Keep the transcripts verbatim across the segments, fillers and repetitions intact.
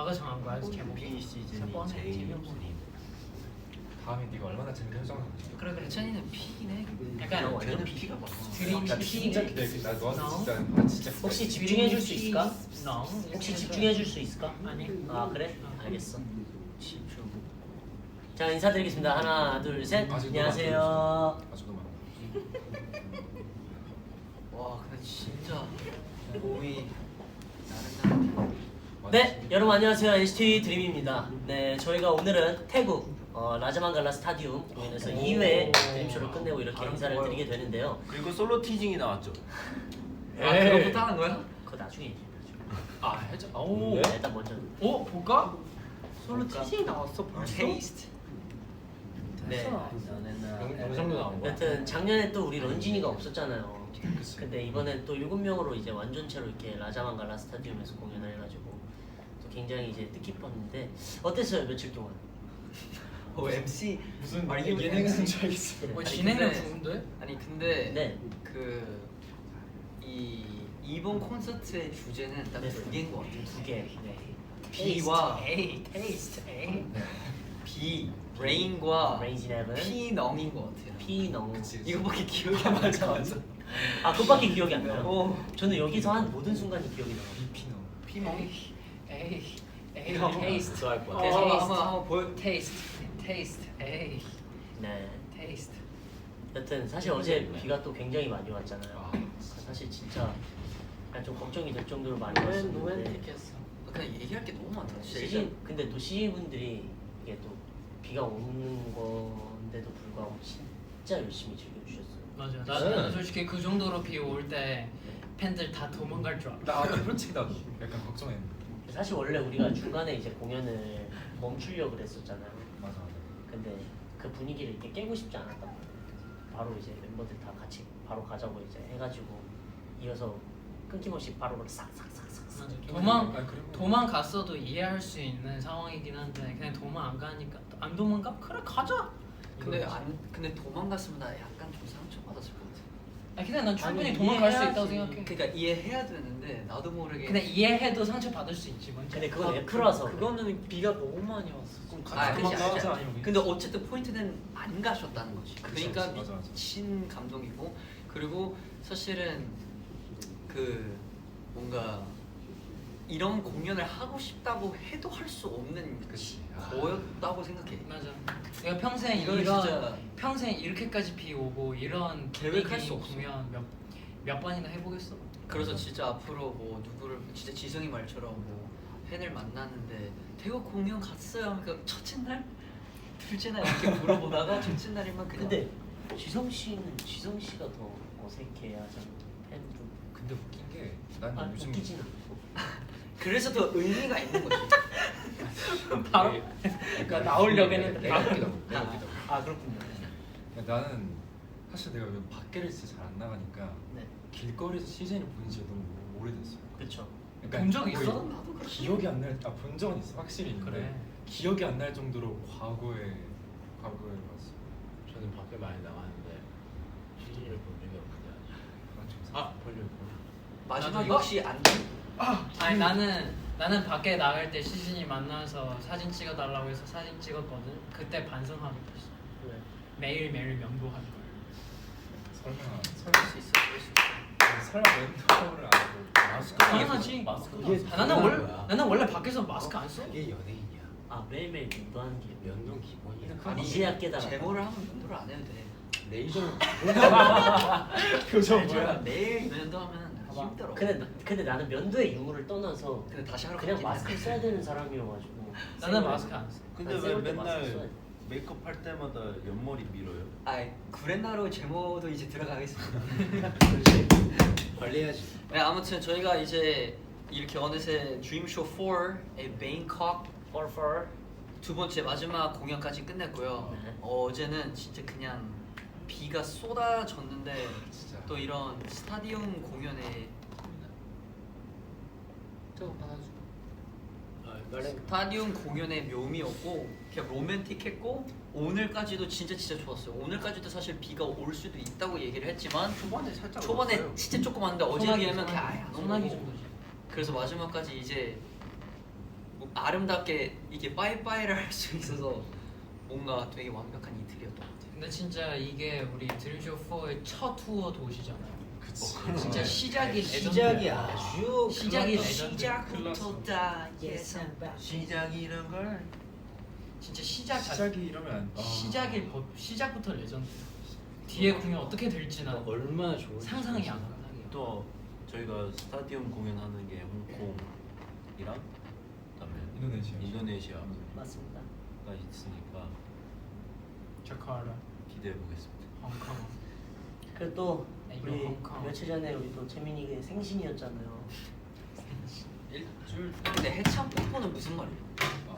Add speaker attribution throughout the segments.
Speaker 1: 너가 정한 거야 제목이?
Speaker 2: B 시즌이 제일 재밌.
Speaker 3: 다음에 네가 얼마나 재밌게 설정을 할지.
Speaker 1: 그래 그래
Speaker 2: 찬이는 P네.
Speaker 1: 약간
Speaker 2: 완전 P가 많아.
Speaker 1: 드림
Speaker 3: 나
Speaker 1: P
Speaker 3: 진짜 기대해. 나 너한테 진짜 나 진짜.
Speaker 4: 혹시 집중해줄 수 있을까?
Speaker 1: No.
Speaker 4: 혹시 집중해줄 수 있을까?
Speaker 1: 아니.
Speaker 4: 아 그래?
Speaker 1: 어.
Speaker 4: 알겠어. 자 인사드리겠습니다. 하나 둘 셋.
Speaker 3: 아직도
Speaker 4: 안녕하세요.
Speaker 3: 아직도 많아.
Speaker 2: 와 근데 진짜 몸이 나른한.
Speaker 4: 네 여러분 안녕하세요. 엔시티 드림입니다. 네 저희가 오늘은 태국 어, 라자만갈라 스타디움 공연에서 이 회 드림쇼를 끝내고 이렇게 인사를
Speaker 2: 좋아요.
Speaker 4: 드리게 되는데요.
Speaker 5: 그리고 솔로 티징이 나왔죠.
Speaker 2: 아 그거부터 하는 거야?
Speaker 4: 그거 나중에 얘기해.
Speaker 1: 아 해줘. 오.
Speaker 4: 네, 일단 먼저.
Speaker 1: 오 볼까? 솔로
Speaker 4: 볼까?
Speaker 1: 티징 나왔어 벌써?
Speaker 2: 테이스트.
Speaker 4: 네.
Speaker 3: 영상도 나온 거야.
Speaker 4: 여튼 작년에 또 우리 런쥔이가 없었잖아요.
Speaker 3: 그치.
Speaker 4: 근데 이번엔 또 일곱 명으로 이제 완전체로 이렇게 라자만갈라 스타디움에서 공연을 해가지고 또 굉장히 이제 뜻깊었는데 어땠어요 며칠 동안?
Speaker 2: 어 엠씨
Speaker 3: 무슨
Speaker 2: 아, 이게
Speaker 3: 예능하는 줄 알겠어.
Speaker 1: 뭐
Speaker 2: 아니,
Speaker 1: 진행력
Speaker 2: 근데-
Speaker 1: 좋은데?
Speaker 2: 아니 근데
Speaker 4: 네.
Speaker 2: 그 이 이번 콘서트의 주제는 딱
Speaker 4: 네.
Speaker 2: 두 개인 것 같아요.
Speaker 4: 두 개. 네.
Speaker 2: B와
Speaker 1: 에이 테이스트 에이.
Speaker 2: B 레인과
Speaker 4: 레인지 네븐.
Speaker 2: P 넝인 것 같아요.
Speaker 4: P 너.
Speaker 3: 그치.
Speaker 2: 이거밖에 기억이 안 나죠. 맞아.
Speaker 4: 아 그것밖에 기억이 안 나요.
Speaker 2: 어.
Speaker 4: 저는 여기서 한 모든 순간이 기억이 나요.
Speaker 3: 비피노.
Speaker 2: P 멍.
Speaker 1: 에이 에이
Speaker 2: 형.
Speaker 1: 테이스트.
Speaker 5: 할 거야.
Speaker 2: 어,
Speaker 1: 테이스트.
Speaker 2: 한번 한번 보여.
Speaker 1: 테이스트 테이스트 에이
Speaker 4: 네.
Speaker 1: 테이스트.
Speaker 4: 여튼 사실 어제 비가 또 굉장히 많이 왔잖아요.
Speaker 3: 아.
Speaker 4: 사실 진짜 약간 좀 걱정이 될 정도로 많이 왔었는데.
Speaker 1: 로맨틱했어.
Speaker 2: 그냥 얘기할 게 너무 많다. 진짜
Speaker 4: 시즌 근데 또 씨지 분들이 이게 또 비가 오는 건데도 불구하고 진짜 열심히 즐겨주셨어요.
Speaker 1: 맞아. 나는 솔직히 그 정도로 비 올 때 팬들 다 도망갈 줄 알아.
Speaker 3: 나 솔직히 나도 약간 걱정했는데.
Speaker 4: 사실 원래 우리가 중간에 이제 공연을 멈추려고 그랬었잖아요.
Speaker 3: 맞아 맞아.
Speaker 4: 근데 그 분위기를 이렇게 깨고 싶지 않았단 말이에요. 바로 이제 멤버들 다 같이 바로 가자고 이제 해가지고 이어서 끊김없이 바로 싹싹싹싹.
Speaker 1: 맞아. 도망
Speaker 3: 아니, 그리고-
Speaker 1: 도망갔어도 이해할 수 있는 상황이긴 한데 그냥 도망 안 가니까 안 도망가? 그래 가자.
Speaker 2: 근데
Speaker 1: 이거지.
Speaker 2: 안 근데 도망갔으면 나 약간 좀 상처 받았을 것 같아.
Speaker 1: 아니 근데 난 충분히
Speaker 4: 아니,
Speaker 1: 도망갈 수
Speaker 4: 이해해야지.
Speaker 1: 있다고 생각해.
Speaker 2: 그러니까 이해해야 되는데 나도 모르게.
Speaker 1: 근데 이해해도 상처 받을 수 있지 먼저.
Speaker 4: 근데 그건 F라서 그래.
Speaker 2: 그거는 비가 너무 많이 왔어.
Speaker 3: 같이
Speaker 2: 그치,
Speaker 3: 도망가자,
Speaker 2: 알지.
Speaker 3: 아니면
Speaker 2: 근데 어쨌든 포인트는 안 가셨다는 거지.
Speaker 3: 그치,
Speaker 2: 그러니까
Speaker 3: 맞아, 맞아.
Speaker 2: 미친 감동이고 그리고 사실은 그 뭔가 이런 공연을 하고 싶다고 해도 할 수 없는
Speaker 3: 그치. 아.
Speaker 2: 거였다고 생각해.
Speaker 1: 맞아. 내가 평생
Speaker 2: 이건
Speaker 1: 이런
Speaker 2: 진짜
Speaker 1: 평생 이렇게까지 비 오고 이런
Speaker 2: 계획할
Speaker 1: 분위기
Speaker 2: 수 없어.
Speaker 1: 공연 몇, 몇 번이나 해보겠어.
Speaker 2: 그래서 진짜 앞으로 뭐 누구를 진짜 지성이 말처럼 뭐 팬을 만났는데 태국 공연 갔어요. 그러니까 첫째 날, 둘째 날 이렇게 물어보다가 첫째 날이면 그냥.
Speaker 4: 근데 지성 씨는 지성 씨가 더 어색해하잖아 팬들.
Speaker 3: 근데 웃긴 게 난
Speaker 4: 아
Speaker 3: 요즘
Speaker 4: 웃기진 않고.
Speaker 2: 그래서 더 의미가 있는 거지.
Speaker 1: 바로?
Speaker 3: 이게-
Speaker 1: 그러니까 나오려고 했는데
Speaker 3: 내가
Speaker 1: 바로-
Speaker 3: 웃기다고. 내가 웃기다고.
Speaker 4: 아 그렇군요.
Speaker 3: 나는 사실 내가 요즘 밖에를 진짜 잘 안 나가니까
Speaker 4: 네.
Speaker 3: 길거리에서 시즌을 본 지가 너무 오래됐어요.
Speaker 4: 그렇죠.
Speaker 3: 그러니까
Speaker 1: 본 적
Speaker 3: 거의
Speaker 1: 있어?
Speaker 2: 나도 그래.
Speaker 3: 기억이 안 날. 아본 적은 있어 확실히 있는데
Speaker 1: 그래.
Speaker 3: 기억이 안 날 정도로 과거에 과거에 봤어.
Speaker 5: 저는 밖에 많이 나갔는데 시즌을 본 적이 없냐.
Speaker 3: 아,
Speaker 5: 아, 볼륨 볼륨.
Speaker 2: 마지막에
Speaker 1: 나도-
Speaker 2: 혹시 안
Speaker 1: 아니 나는 나는 밖에 나갈 때 시즌이 만나서 사진 찍어달라고 해서 사진 찍었거든. 그때 반성하게 됐어.
Speaker 4: 왜?
Speaker 1: 매일 매일 명도하는 걸.
Speaker 3: 설마
Speaker 2: 그럴 수 있어, 그럴 수 있어.
Speaker 3: 설마 멘토를 안 하고
Speaker 5: 마스크
Speaker 1: 당연하지.
Speaker 4: 마스크.
Speaker 5: 이게
Speaker 1: 아, 나는
Speaker 5: 그거야.
Speaker 1: 원래 나는 원래 밖에서 마스크 안 써.
Speaker 5: 이게 연예인이야.
Speaker 4: 아 매일매일 면도하는 게
Speaker 5: 면동 기본이야.
Speaker 4: 아니, 이제야 깨달았다.
Speaker 2: 제모를 하면 면도를 안 해도 돼.
Speaker 5: 레이저
Speaker 3: 표정
Speaker 2: 제가 매일 면도하면
Speaker 4: 봐봐.
Speaker 2: 힘들어.
Speaker 4: 근데 나- 근데 나는 면도의 유무를 떠나서
Speaker 2: 근데 다시 하러
Speaker 4: 그냥
Speaker 2: 가긴
Speaker 4: 마스크를
Speaker 2: 해.
Speaker 4: 써야 되는 사람이어가지고.
Speaker 1: 나는
Speaker 4: 생얼-
Speaker 1: 마스크 안 써.
Speaker 5: 근데
Speaker 4: 아니,
Speaker 5: 왜
Speaker 4: 생얼 때 마스크
Speaker 5: 맨날
Speaker 4: 써야 돼.
Speaker 5: 메이크업 할 때마다 옆머리 밀어요?
Speaker 2: 아, 구레나루 제모도 이제 들어가겠습니다.
Speaker 5: 관리해야지.
Speaker 2: 네, 아무튼 저희가 이제 이렇게 어느새 드림쇼 사의 베인콕
Speaker 4: For for.
Speaker 2: 두 번째 마지막 공연까지 끝냈고요.
Speaker 4: 네.
Speaker 2: 어제는 진짜 그냥 비가 쏟아졌는데
Speaker 3: 진짜.
Speaker 2: 또 이런 스타디움 공연에
Speaker 1: 저거 받아줘.
Speaker 5: 아, 말해.
Speaker 2: 스타디움 공연의 묘미였고 그냥 로맨틱했고 오늘까지도 진짜 진짜 좋았어요. 오늘까지도 사실 비가 올 수도 있다고 얘기를 했지만
Speaker 5: 초반에 살짝
Speaker 2: 초반에
Speaker 5: 왔어요.
Speaker 2: 진짜 조금 왔는데 어제에
Speaker 1: 소나기,
Speaker 2: 비하면
Speaker 1: 소나기.
Speaker 2: 그냥 아예 안
Speaker 1: 소나기
Speaker 2: 오고.
Speaker 1: 정도지.
Speaker 2: 그래서 마지막까지 이제 뭐 아름답게 이게 빠이빠이를 할 수 있어서 뭔가 되게 완벽한 이틀이었던 것 같아요.
Speaker 1: 근데 진짜 이게 우리 드림쇼 사의 첫 투어 도시잖아요.
Speaker 3: 그치.
Speaker 1: 진짜 시작이
Speaker 5: 시작이
Speaker 1: 레전드야.
Speaker 5: 아주
Speaker 1: 시작이
Speaker 5: 클라스.
Speaker 1: 레전드.
Speaker 2: 시작부터 다 예상
Speaker 5: 시작이란 걸
Speaker 1: 진짜 시작 자
Speaker 3: 시작이 이러면 안- 아.
Speaker 1: 시작이 법 시작부터 레전드. 뒤에 공연 어떻게 될지 난
Speaker 5: 얼마나 좋은
Speaker 1: 상상이 안 가.
Speaker 6: 또 저희가 스타디움 공연하는 게 홍콩이랑 그다음에
Speaker 3: 인도네시아.
Speaker 6: 인도네시아가
Speaker 4: 맞습니다.
Speaker 6: 있으니까
Speaker 1: 자카르타,
Speaker 6: 기대해 보겠습니다.
Speaker 1: 홍콩.
Speaker 4: 그리고 또
Speaker 1: 네, 이거
Speaker 4: 우리
Speaker 1: 홍콩.
Speaker 4: 며칠 전에 우리 또 재민이가 생신이었잖아요.
Speaker 3: 일주일.
Speaker 2: 근데 해찬 뽀뽀는 무슨 말이야?
Speaker 3: 아,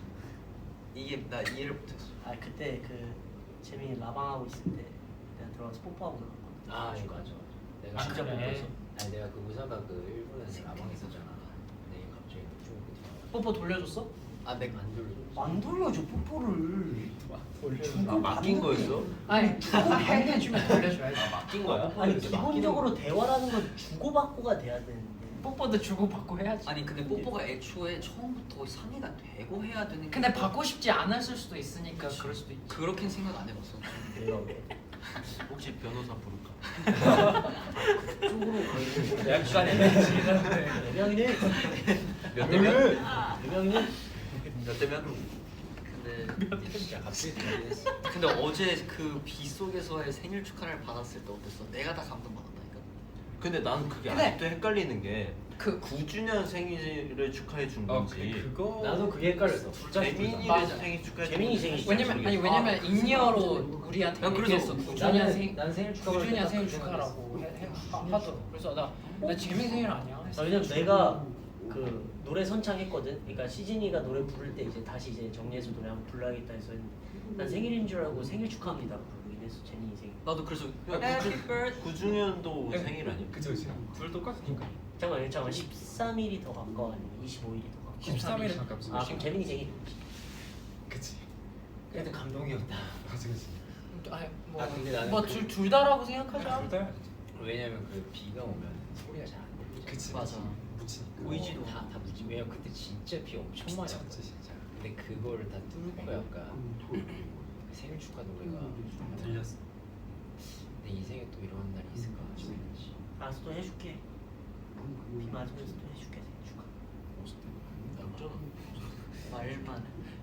Speaker 2: 이게 나 이해를 못했어.
Speaker 4: 아 그때 그 재민이 라방하고 있을 때 내가 들어가서 뽀뽀하고 나갔거든.
Speaker 5: 아 맞아 맞아. 내가
Speaker 1: 아,
Speaker 5: 진짜
Speaker 1: 그래?
Speaker 5: 뽀뽀했어. 아니 내가 그 의사가 그 일본에서 라방 있었잖아. 근데 얘 갑자기 중국에 들어가.
Speaker 1: 뽀뽀 돌려줬어?
Speaker 2: 아 내가
Speaker 5: 안 돌려줬어.
Speaker 4: 안 돌려줘 뽀뽀를.
Speaker 5: 아 맡긴 거였어?
Speaker 1: 아니 주고 해주면 돌려줘야지.
Speaker 5: 아 맡긴 거야?
Speaker 4: 아니
Speaker 5: 근데
Speaker 4: 기본적으로 대화라는 건 주고받고가 돼야 되는데.
Speaker 1: 뽀뽀도 주고 받고 해야지.
Speaker 2: 아니 근데 뽀뽀가 애초에 처음부터 상의가 되고 해야 되는 게
Speaker 1: 근데 받고 싶지 않았을 수도 있으니까
Speaker 2: 그치.
Speaker 1: 그럴 수도 있지.
Speaker 2: 그렇게는 생각 안 해봤어.
Speaker 4: 내가 왜
Speaker 6: 혹시 변호사 부를까?
Speaker 4: 쪽으로 가는
Speaker 5: 약간
Speaker 4: 대명이네.
Speaker 5: 몇 대면?
Speaker 4: 대명이네.
Speaker 6: 몇 대면?
Speaker 2: 근데
Speaker 5: 진짜 갑자기 들리겠어.
Speaker 2: 근데 어제 그 비 속에서의 생일 축하를 받았을 때 어땠어? 내가 다 감동받았다니까.
Speaker 6: 근데 난 그게
Speaker 1: 근데-
Speaker 6: 아직도 헷갈리는 게
Speaker 1: 그
Speaker 6: 구 주년 생일을 축하해 준
Speaker 3: 아,
Speaker 6: 건지
Speaker 3: 근데 그거
Speaker 5: 나도 그게 헷갈렸어.
Speaker 6: 재민이를
Speaker 1: 맞아.
Speaker 6: 생일 축하해 준
Speaker 4: 재민이
Speaker 6: 건지
Speaker 4: 생일
Speaker 1: 왜냐면 아니
Speaker 6: 모르겠어.
Speaker 1: 왜냐면 인이어로 우리한테
Speaker 2: 난 그래서
Speaker 1: 얘기했어. 구 주년
Speaker 5: 나는
Speaker 1: 생
Speaker 5: 난 생일 축하
Speaker 1: 구 주년 생일 축하라고 해, 해, 하, 하더라고. 그래서 나나 재민 생일 아니야.
Speaker 4: 아, 왜냐면 내가 그 노래 선창했거든. 그러니까 시진이가 노래 부를 때 이제 다시 이제 정리해서 노래 한번 불러야겠다 해서 난 생일인 줄 알고 생일 축하합니다 부르긴 했어. 재민이 생일.
Speaker 2: 나도 그래서
Speaker 6: 야,
Speaker 2: Happy
Speaker 6: 구 주-
Speaker 2: birthday.
Speaker 6: 구 주년도 생일 아니야?
Speaker 3: 그치 그치. 둘 똑같으니까.
Speaker 4: 잠깐만 잠깐만 십삼 일이 더 가까워 아니면 이십오 일이 더 가까워?
Speaker 3: 십삼 일에 가깝지.
Speaker 4: 아 그럼 재민이 생일.
Speaker 3: 그치.
Speaker 5: 그래도 감동이었다.
Speaker 3: 그치 그치.
Speaker 1: 아니
Speaker 5: 아, 근데 나는 그-
Speaker 1: 뭐뭐둘 둘 다라고 생각하자.
Speaker 3: 둘 다.
Speaker 5: 왜냐면 그 비가 오면 소리가 잘 안 들리잖아.
Speaker 3: 그치.
Speaker 2: 맞아.
Speaker 3: 묻히니까.
Speaker 2: 보이지도
Speaker 5: 다, 다 무지. 왜냐면 그때 진짜 비 엄청 많이
Speaker 3: 미쳤지
Speaker 5: 왔거든.
Speaker 3: 진짜.
Speaker 5: 근데 그거를 다 뚫고 약간 그 생일 축하 노래가
Speaker 3: 들렸어.
Speaker 5: 내 인생에 또 이런 날이 있을까 싶었지.
Speaker 4: 알았어 또 해줄게. 비 맞으면서 또 해줄게 생일 축하.
Speaker 2: 말만.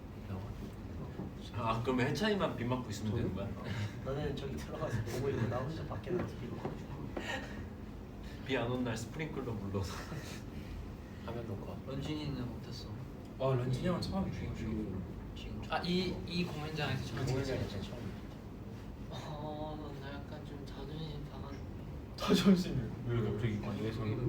Speaker 6: 아 그러면 해찬이만 비 맞고 있으면 되는 거야?
Speaker 4: 너는 저기 들어가서 보고 있고 나 혼자 밖에 나가서 비 먹고 있어.
Speaker 6: 비 안 온 날 스프링클러 불러서
Speaker 5: 화면 녹화.
Speaker 2: 런쥔이는 어땠어?
Speaker 3: 와 런쥔이 형은 처음이지.
Speaker 2: 지금
Speaker 1: 아이 이 공연장에서 처음.
Speaker 5: 공연장 진짜 처음.
Speaker 2: 어, 나 약간 좀 자존심 상한.
Speaker 3: 자존심이 왜 갑자기?
Speaker 5: 아니 왜 저기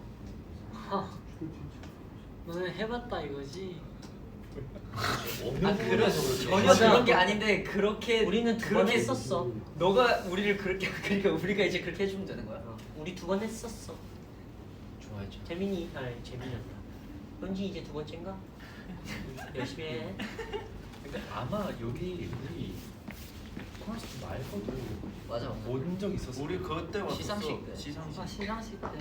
Speaker 2: 너는 해봤다 이거지?
Speaker 5: 없는
Speaker 2: 아 그런
Speaker 5: 부분에서
Speaker 2: 전혀
Speaker 4: 맞아.
Speaker 2: 그런 게 아닌데 그렇게
Speaker 4: 우리는 두 번
Speaker 2: 그렇게
Speaker 4: 했었어.
Speaker 2: 너가 우리를 그렇게 그러니까 우리가 이제 그렇게 해주면 되는 거야.
Speaker 4: 어, 우리 두 번 했었어.
Speaker 5: 좋아했죠.
Speaker 4: 재민이 아니 재민이었다. 현지 이제 두 번째인가? 열심히 해.
Speaker 3: 근데 아마 여기 우리 콘서트 말고도
Speaker 2: 맞아.
Speaker 3: 온 적 있었어.
Speaker 6: 우리 그때 왔었어.
Speaker 2: 시상식 때.
Speaker 6: 시상식.
Speaker 2: 아 시상식 때.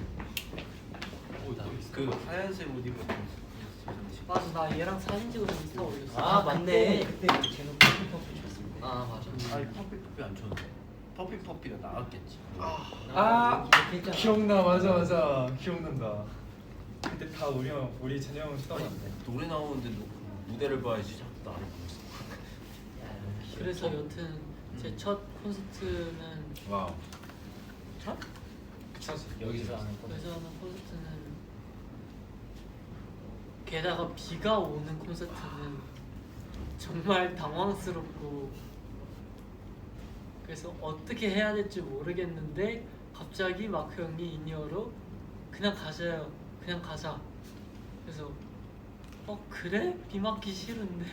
Speaker 3: 오, 나 있어.
Speaker 6: 그 하얀색 옷 입은 시상식.
Speaker 2: 맞아 나 얘랑 사진 찍어서 인스타 올렸어.
Speaker 4: 아 맞네. 그때 제노 커피 커피 줬을 때.
Speaker 2: 아 맞아.
Speaker 6: 아니 퍼피퍼피 안 쳤는데 퍼피퍼피가 나왔겠지.
Speaker 3: 아 기억나 맞아 맞아 기억난다. 그때 다 우리 형 우리 찬영 형 쳐다봤는데.
Speaker 6: 노래 나오는데 너 무대를 봐야지 자꾸 나를 보면서.
Speaker 7: 그래서 여튼 제 첫 콘서트는
Speaker 3: 와우. 첫? 첫이
Speaker 5: 여기서 하는 거.
Speaker 7: 여기서 하는 콘서트는 게다가 비가 오는 콘서트는 정말 당황스럽고 그래서 어떻게 해야 될지 모르겠는데 갑자기 마크 형이 인이어로 그냥 가자요 그냥 가자 그래서 어 그래? 비 맞기 싫은데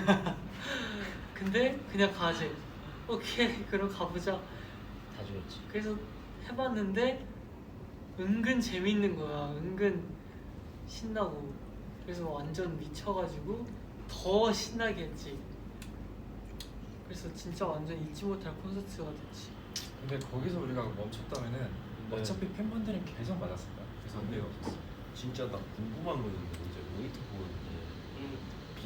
Speaker 7: 근데 그냥 가지 오케이 그럼 가보자
Speaker 5: 다 죽였지.
Speaker 7: 그래서 해봤는데 은근 재밌는 거야 은근 신나고 그래서 완전 미쳐가지고 더 신나게 했지 그래서 진짜 완전 잊지 못할 콘서트가 됐지
Speaker 3: 근데 거기서 우리가 멈췄다면은
Speaker 6: 네.
Speaker 3: 어차피 팬분들은 계속 맞았을 거야. 그래서 의미가 없었어.
Speaker 6: 진짜 나 궁금한 거 있는데 이제 모니터 보는데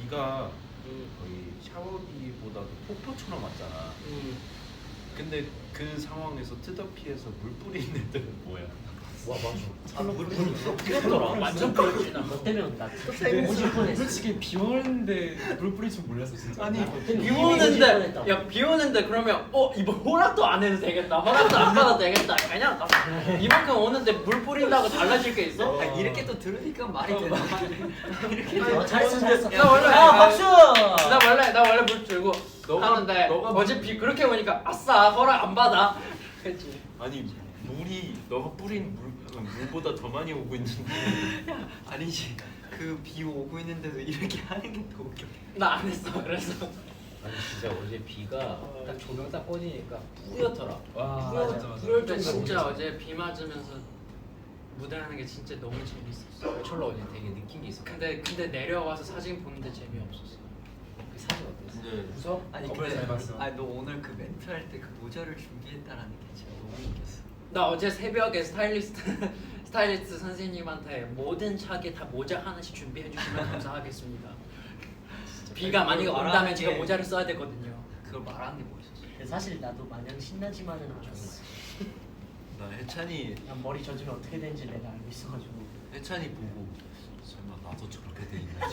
Speaker 6: 비가
Speaker 4: 음.
Speaker 6: 거의 샤워기보다도 폭포처럼 왔잖아.
Speaker 4: 음.
Speaker 6: 근데 그 상황에서 트더피에서 물 뿌리는 애들은 뭐야?
Speaker 5: 와 맞아.
Speaker 4: 아물 뿌렸더라.
Speaker 1: 완전 뿌렸지, 나.
Speaker 4: 너 때문에 나 오질 뻔했어.
Speaker 3: 솔직히 비 오는데 물 뿌릴 줄 몰랐어 진짜.
Speaker 1: 아니
Speaker 4: 나 그때는
Speaker 1: 비
Speaker 4: 이미 오질
Speaker 1: 오는데
Speaker 4: 뻔했다고.
Speaker 1: 야 비 오는데 그러면 어 이번 허락도 안 해도 되겠다 허락도 안 받아도 되겠다 그냥 나- 이만큼 오는데 물 뿌린다고 달라질 게 있어?
Speaker 2: 아, 이렇게 또 들으니까 말이 되나? 이렇게
Speaker 4: 어, 잘했어 잘했어.
Speaker 1: 나 원래
Speaker 4: 야 박수.
Speaker 1: 나 원래 나 원래 물 들고
Speaker 6: 너가-
Speaker 1: 하는데
Speaker 6: 너가
Speaker 1: 어제 비 그렇게 오니까 아싸 허락 안 받아 그랬지.
Speaker 6: 아니 물이 너가 뿌린 물 물보다 더 많이 오고 있는데.
Speaker 2: 아니지. 그 비 오고 있는데도 이렇게 하는 게 더 웃겨.
Speaker 1: 나 안 했어 그래서.
Speaker 5: 아니 진짜 어제 비가 딱 조명 딱 꺼지니까 뿌옇더라.
Speaker 3: 와
Speaker 5: 뿌옇-
Speaker 3: 맞아 맞아.
Speaker 5: 뿌옇
Speaker 1: 근데
Speaker 5: 정도로
Speaker 1: 진짜
Speaker 5: 오지.
Speaker 1: 어제 비 맞으면서 무대하는 게 진짜 너무 재밌었어.
Speaker 5: 철로 어제 되게 느낀 게 있어.
Speaker 1: 근데 근데 내려와서 사진 보는데 재미없었어.
Speaker 5: 그 사진 어땠어?
Speaker 6: 근데
Speaker 3: 웃어?
Speaker 2: 아니
Speaker 3: 어, 그래,
Speaker 2: 근데
Speaker 3: 잘 봤어.
Speaker 2: 아니 너 오늘 그 멘트 할 때 그 모자를 준비했다라는 게 진짜 너무 웃겼어.
Speaker 1: 나 어제 새벽에 스타일리스트 스타일리스트 선생님한테 모든 차게 다 모자 하나씩 준비해 주시면 감사하겠습니다. 비가 많이
Speaker 2: 그걸
Speaker 1: 온다면
Speaker 2: 말하는
Speaker 1: 제가
Speaker 2: 게-
Speaker 1: 모자를 써야 되거든요.
Speaker 2: 그걸 말하는 게 멋있었어.
Speaker 4: 근데 사실 나도 마냥 신나지만은 않았어.
Speaker 6: 나 해찬이
Speaker 4: 난 머리 젖으면 어떻게 되는지 내가 알고 있어가지고.
Speaker 6: 해찬이 보고 설마 나도 저렇게 돼 있나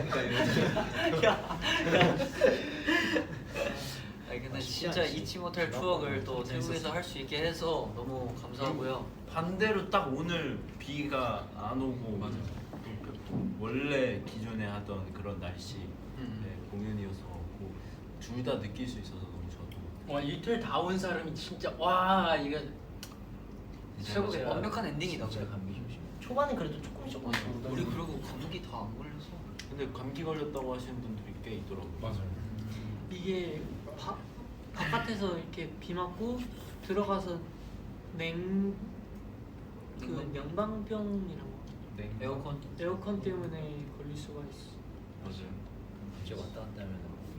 Speaker 6: 지금.
Speaker 2: 아니 근데
Speaker 5: 아,
Speaker 2: 진짜
Speaker 5: 진짜
Speaker 2: 잊지 못할
Speaker 5: 진짜
Speaker 2: 추억을 또
Speaker 3: 재밌었어.
Speaker 2: 태국에서 할 수 있게 해서 너무 감사하고요.
Speaker 6: 반대로 딱 오늘 비가 안 오고 맞아. 원래 기존에 하던 그런 날씨
Speaker 2: 음.
Speaker 6: 네, 공연이어서 둘 다 느낄 수 있어서 너무 저도
Speaker 1: 와 이틀 다 온 사람이 진짜 와 이거 최고의
Speaker 2: 진짜 완벽한 엔딩이다.
Speaker 5: 진짜 감기 조심.
Speaker 4: 초반엔 그래도 조금 조금씩 오더니
Speaker 2: 우리 그리고 감기 다 안 걸려서.
Speaker 6: 근데 감기 걸렸다고 하시는 분들이 꽤 있더라고요.
Speaker 3: 맞아요.
Speaker 7: 이게 바, 바깥에서 이렇게 비 맞고 들어가서 냉 그
Speaker 2: 냉방?
Speaker 7: 냉방병이라고
Speaker 3: 네.
Speaker 2: 에어컨.
Speaker 7: 에어컨 때문에 걸릴 수가 있어.
Speaker 6: 맞아요.
Speaker 5: 이제 왔다 갔다 하면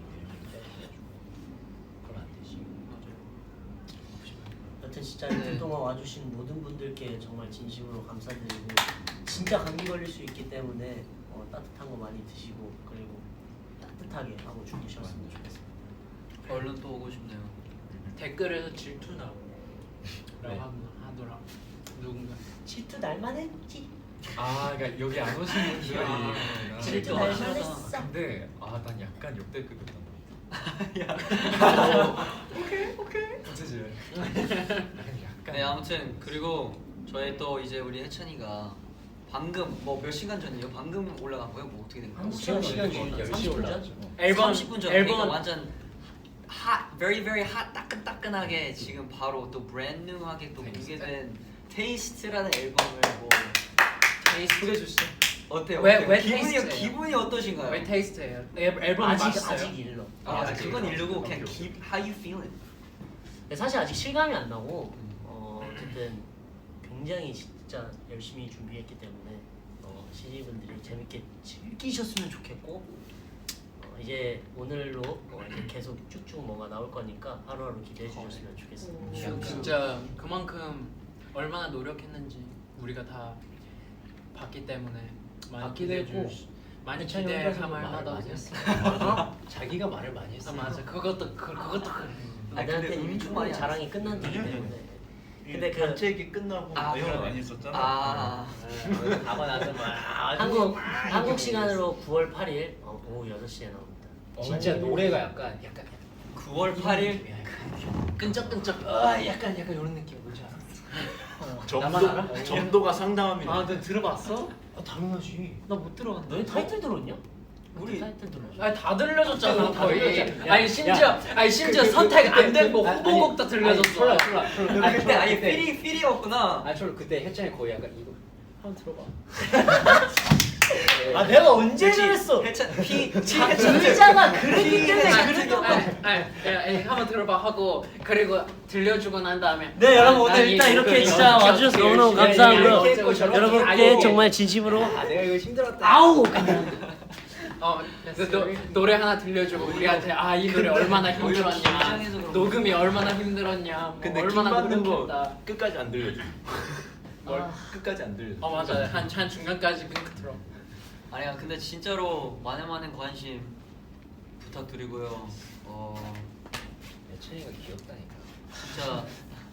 Speaker 5: 그럼 안 되지.
Speaker 4: 여튼 진짜 이틀 동안 와주신 모든 분들께 정말 진심으로 감사드리고 진짜 감기 걸릴 수 있기 때문에 어, 따뜻한 거 많이 드시고 그리고 따뜻하게 하고 주무셨으면 좋겠습니다.
Speaker 2: 얼른 또 오고 싶네요.
Speaker 1: 댓글에서 질투나고
Speaker 3: 네.
Speaker 1: 라고 하더라 누군가.
Speaker 4: 질투 날만 했지.
Speaker 3: 아 그러니까 여기 안 오시는 분들이
Speaker 1: 아,
Speaker 4: 질투
Speaker 1: 아,
Speaker 4: 날만
Speaker 1: 아,
Speaker 4: 했어.
Speaker 3: 근데 아 난 약간 역대급이었단 말이야.
Speaker 2: 오케이 오케이.
Speaker 3: 어쩌지? 약간
Speaker 2: 네 아무튼 그리고 저희 또 이제 우리 해찬이가 방금 뭐 몇 시간 전이에요? 방금 올라간 거예요? 뭐 어떻게 된 거예요?
Speaker 4: 한
Speaker 5: 시간
Speaker 4: 시간
Speaker 5: 시간
Speaker 4: 전,
Speaker 5: 열
Speaker 4: 삼십
Speaker 5: 시에
Speaker 4: 분
Speaker 5: 올라왔죠.
Speaker 4: 전?
Speaker 1: 앨범
Speaker 2: 삼십 분 전.
Speaker 1: 앨범
Speaker 2: 그러니까 완전 핫, very very 핫 따끈따끈하게 지금 바로 또 브랜드하게 또 공개된 테이스트라는 앨범을 뭐
Speaker 1: 테이스트 소개해 주시죠.
Speaker 2: 어때요?
Speaker 1: 왜-
Speaker 2: 어때요?
Speaker 1: 왜
Speaker 2: 기분이
Speaker 1: 테이스트예요?
Speaker 2: 기분이 어떠신가요?
Speaker 1: 왜 테이스트예요? 앨- 앨범이
Speaker 4: 아직
Speaker 1: 맛있어요?
Speaker 4: 아직 일러.
Speaker 2: 아,
Speaker 3: 아직
Speaker 2: 그건
Speaker 3: 일러.
Speaker 2: 이르고
Speaker 3: 오케이,
Speaker 2: 그냥
Speaker 3: 오케이.
Speaker 2: keep how you feeling.
Speaker 4: 근데 사실 아직 실감이 안 나고 어, 어쨌든 굉장히 진짜 열심히 준비했기 때문에 어, 시니분들이 재밌게 즐기셨으면 좋겠고 어, 이제 오늘로 어, 이제 계속 쭉쭉 뭐가 나올 거니까 하루하루 기대해 주셨으면 좋겠습니다.
Speaker 1: 지금 진짜 그만큼 얼마나 노력했는지 우리가 다 봤기 때문에 많이
Speaker 5: 봤기도
Speaker 1: 기대해
Speaker 5: 했고,
Speaker 1: 주 많이
Speaker 5: 해찬이
Speaker 1: 기대할
Speaker 5: 혼자서도 말을
Speaker 1: 만하다.
Speaker 5: 많이 했어.
Speaker 1: 어?
Speaker 5: 자기가 말을 많이
Speaker 1: 아
Speaker 5: 했어.
Speaker 1: 맞아 그것도 그, 그것도 그래.
Speaker 2: 아니,
Speaker 4: 나한테
Speaker 2: 근데
Speaker 4: 이미
Speaker 2: 엄청
Speaker 4: 충분히
Speaker 2: 많이
Speaker 4: 자랑이 끝난 뒤이기
Speaker 6: 아니야,
Speaker 4: 때문에
Speaker 6: 근데
Speaker 4: 근데 그
Speaker 6: 단체 얘기 끝나고
Speaker 2: 아,
Speaker 6: 내용
Speaker 2: 그러네.
Speaker 6: 많이 썼잖아.
Speaker 2: 아,
Speaker 5: 가고 나서 막
Speaker 4: 한국 한국 시간으로 구월 팔일 어, 오후 여섯 시에 나옵니다.
Speaker 5: 진짜 노래가 약간 약간
Speaker 2: 구월 팔일
Speaker 1: 끈적끈적 아 약간 약간 이런 느낌 뭔지 알아?
Speaker 5: 나만 알아?
Speaker 6: 점도 점도가 상당합니다.
Speaker 7: 아, 너 들어봤어?
Speaker 4: 아, 당연하지.
Speaker 7: 나 못 들어봤는데.
Speaker 4: 너희 타이틀 들었냐?
Speaker 2: 우리-
Speaker 4: 타이틀 들었어.
Speaker 1: 아니 다 들려줬잖아
Speaker 5: 다
Speaker 1: 거의.
Speaker 5: 들려줬잖아.
Speaker 1: 아니 심지어 아니 심지어
Speaker 5: 그, 그,
Speaker 1: 선택
Speaker 5: 그,
Speaker 1: 안 된 거
Speaker 5: 그, 아니,
Speaker 1: 후보곡도
Speaker 5: 아니,
Speaker 1: 들려줬어.
Speaker 5: 철라 철라.
Speaker 2: 너 그때 아예 필이 필이었구나.
Speaker 5: 아 철 그때 해찬이 거의 약간 이거 한번 들어봐.
Speaker 4: 아 내가 언제
Speaker 2: 그치?
Speaker 4: 그랬어?
Speaker 2: 해찬 피
Speaker 4: 자, 의자가 그랬기 때문에
Speaker 1: 아니,
Speaker 4: 그랬던
Speaker 1: 아니,
Speaker 4: 거.
Speaker 1: 아니, 아니, 아니, 한번 들어봐 하고 그리고 들려주고 난 다음에
Speaker 4: 네 여러분 오늘
Speaker 1: 아니,
Speaker 4: 일단 이렇게
Speaker 1: 이거
Speaker 4: 진짜
Speaker 1: 이렇게
Speaker 4: 와주셔서
Speaker 1: 이렇게
Speaker 4: 너무너무
Speaker 1: 열심히
Speaker 4: 감사하고요.
Speaker 1: 이렇게 했고 저렇게
Speaker 4: 여러분께
Speaker 1: 하고.
Speaker 4: 정말 진심으로
Speaker 5: 아 내가 이거 힘들었다.
Speaker 4: 아우
Speaker 1: 어, 그 노, 노래 하나 들려주고 우리한테 아 이 노래 얼마나 힘들었냐
Speaker 2: 긴장해서 그런
Speaker 1: 녹음이 얼마나 힘들었냐 뭐
Speaker 6: 근데
Speaker 1: 얼마나
Speaker 6: 킹 받는 거
Speaker 1: 노력했다.
Speaker 6: 끝까지 안 들려줘. 뭘
Speaker 1: 아.
Speaker 6: 끝까지 안 들려줘.
Speaker 1: 어 맞아요 한, 한 중간까지 핑크 들어.
Speaker 2: 아니야 근데 진짜로 많은 많은 관심 부탁드리고요. 어
Speaker 5: 예찬이가 귀엽다니까.
Speaker 2: 진짜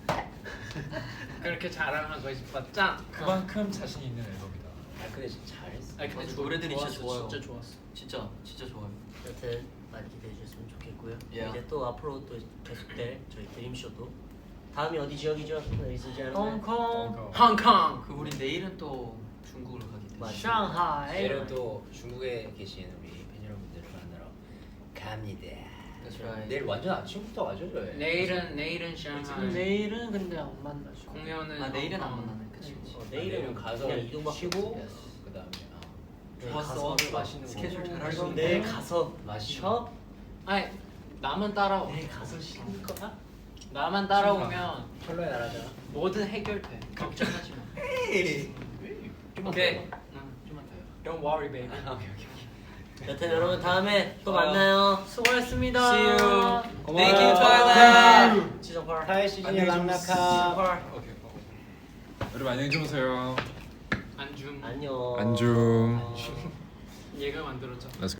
Speaker 1: 그렇게 자랑하고 싶었자.
Speaker 3: 그만큼 자신 있는 앨범이다.
Speaker 5: 아 근데 진짜 잘했어.
Speaker 1: 아니 근데
Speaker 2: 맞아,
Speaker 1: 좋-
Speaker 2: 노래들이 진짜
Speaker 1: 좋았어,
Speaker 2: 좋아요.
Speaker 1: 진짜 좋았어.
Speaker 2: 진짜 진짜 좋아요.
Speaker 4: 여튼 많이 기대해 주셨으면 좋겠고요.
Speaker 2: 예.
Speaker 4: 이제 또 앞으로 또 계속될 저희 드림쇼도 다음이 어디 지역이죠? 여기 쓰지 않나요?
Speaker 7: 홍콩,
Speaker 1: 홍콩.
Speaker 2: 그 우리 내일은 또 중국으로 가기 때문에.
Speaker 4: 맞아.
Speaker 7: 상하이.
Speaker 5: 내일은 또 중국에 계신 우리 팬 여러분들을 만나러 갑니다.
Speaker 2: That's right.
Speaker 5: 내일 완전 아침부터 와줘 저희.
Speaker 1: 내일은 내일은 샹하이.
Speaker 7: 내일은 근데 안 만나죠.
Speaker 1: 공연은
Speaker 2: 아 내일은 안
Speaker 1: 홍콩.
Speaker 2: 만나네. 그치 그치.
Speaker 4: 어, 내일은
Speaker 5: 가서
Speaker 4: 그냥 이동밖에
Speaker 5: 쉬고
Speaker 4: 없어.
Speaker 5: 그다음에 어.
Speaker 4: 내일
Speaker 2: 좋았어.
Speaker 4: 가서
Speaker 5: 맛있는 거
Speaker 2: 스케줄 잘할 수 있네.
Speaker 4: 내일 가서
Speaker 5: 맛있는
Speaker 4: 쉬어?
Speaker 1: 아니 나만 따라오.
Speaker 4: 내일 가서 쉬는 거야?
Speaker 1: 나만 따라오면
Speaker 5: 철로에 나라잖아.
Speaker 1: 뭐든 해결돼. 걱정하지 마.
Speaker 5: 좀만
Speaker 1: 오케이.
Speaker 5: 더.
Speaker 1: 응, 좀만 더요. Don't worry, baby.
Speaker 5: 아, 오케이 오케이 오케이.
Speaker 4: 여튼 여러분 다음에 또
Speaker 2: 좋아요.
Speaker 4: 만나요.
Speaker 7: 수고하셨습니다.
Speaker 2: See you.
Speaker 5: 고마워요.
Speaker 2: Thank you, Twilight.
Speaker 4: 지성팔.
Speaker 5: 타이 시즌의
Speaker 3: 안녕히
Speaker 5: 랑나카.
Speaker 4: 지성팔.
Speaker 3: 오케이. 여러분 안녕히 주무세요.
Speaker 1: 안줌.
Speaker 4: 안녕.
Speaker 3: 안중.
Speaker 1: 얘가 만들었죠.
Speaker 3: Let's